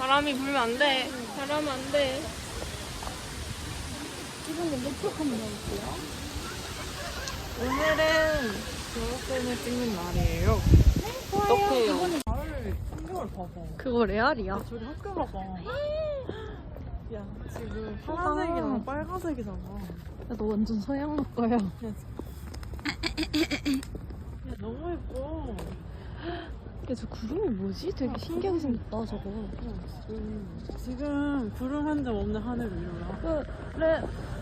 바람이 불면 안 돼. 바람 안 돼. 이번에 몇쪽 한번 넣을게요. 오늘은 졸업생을 찍는 날이에요. 어떡해요? 나를 풍경을 봐봐. 그거 레알이야. 저기 학교 봐봐. 야, 지금 파란색이랑 빨간색이잖아. 야, 너 완전 서양 학과야. 야, 너무 예뻐. 야, 저 구름이 뭐지? 되게 신기하게 생겼다, 저거. 지금 구름 한 점 없는 하늘 위로야. 그래.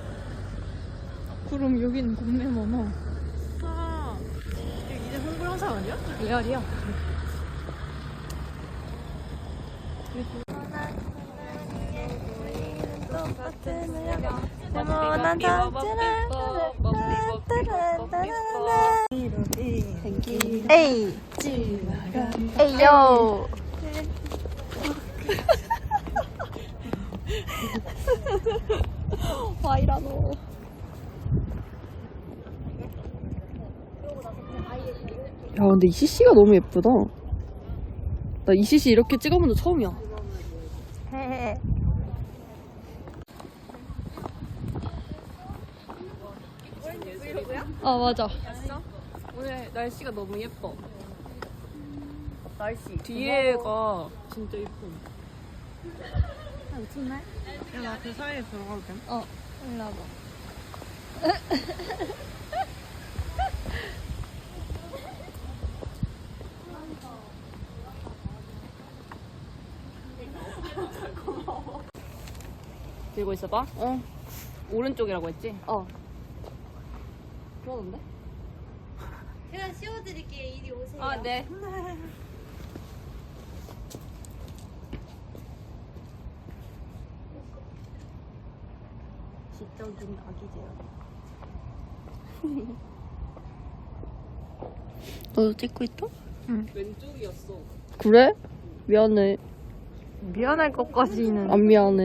구름 여기는 겁내 많아. 아, 이제 홍보 영상 아니야? 레알이야. 네모난 에이! 에이요! 와이라노. 야, 근데 이 CC가 너무 예쁘다. 나 이 CC 이렇게 찍어본 적 처음이야. 아, 맞아. 오늘 날씨가 너무 예뻐. 날씨. 뒤에가 진짜 예뻐. 미쳤네? 야, 나 그 사이에 들어가도 돼? 어, 일로 와봐. 들고 있어봐. 어. 오른쪽이라고 했지? 어. 그러던데? 제가 씌워드릴게요. 이리 오세요. 아, 네. 지적인 아기제요. 너도 찍고 있어? 응. 왼쪽이었어. 그래? 미안해. 미안할 것까지는. 안 미안해.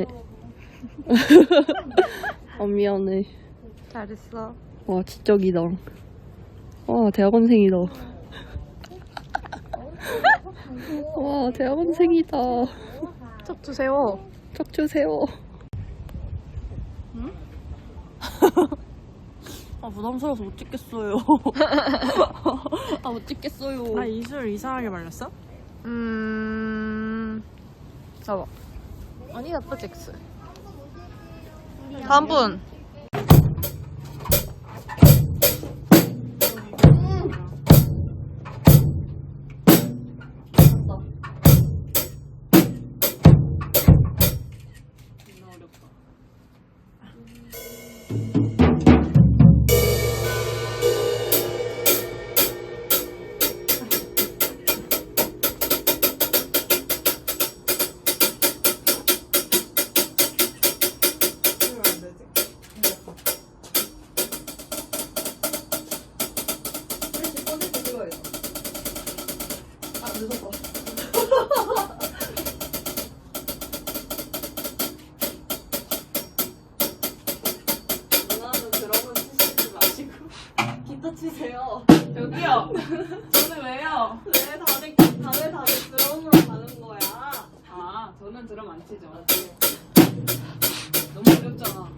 안 미안해. 잘했어. 와, 지적이다. 와, 대학원생이다. 와, 대학원생이다. 척추 세워. 척추 세워. 아, 부담스러워서 못 찍겠어요. 아, 못 찍겠어요. 나 이술 이상하게 말렸어? 잡아. 아니, 나쁘지, X. 다음 분. 누나는 드럼은 치시지 마시고 기타 치세요. 여기요. 저는 왜요? 왜 다들 드럼으로 가는 거야? 아, 저는 드럼 안 치죠. 너무 어렵잖아.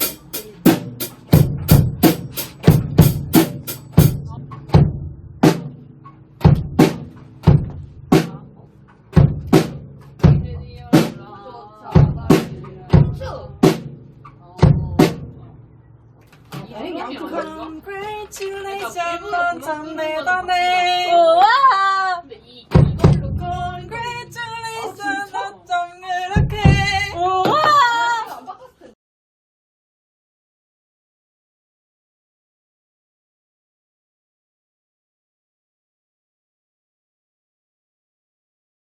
Congratulations, 넌 참 대단해. 우와!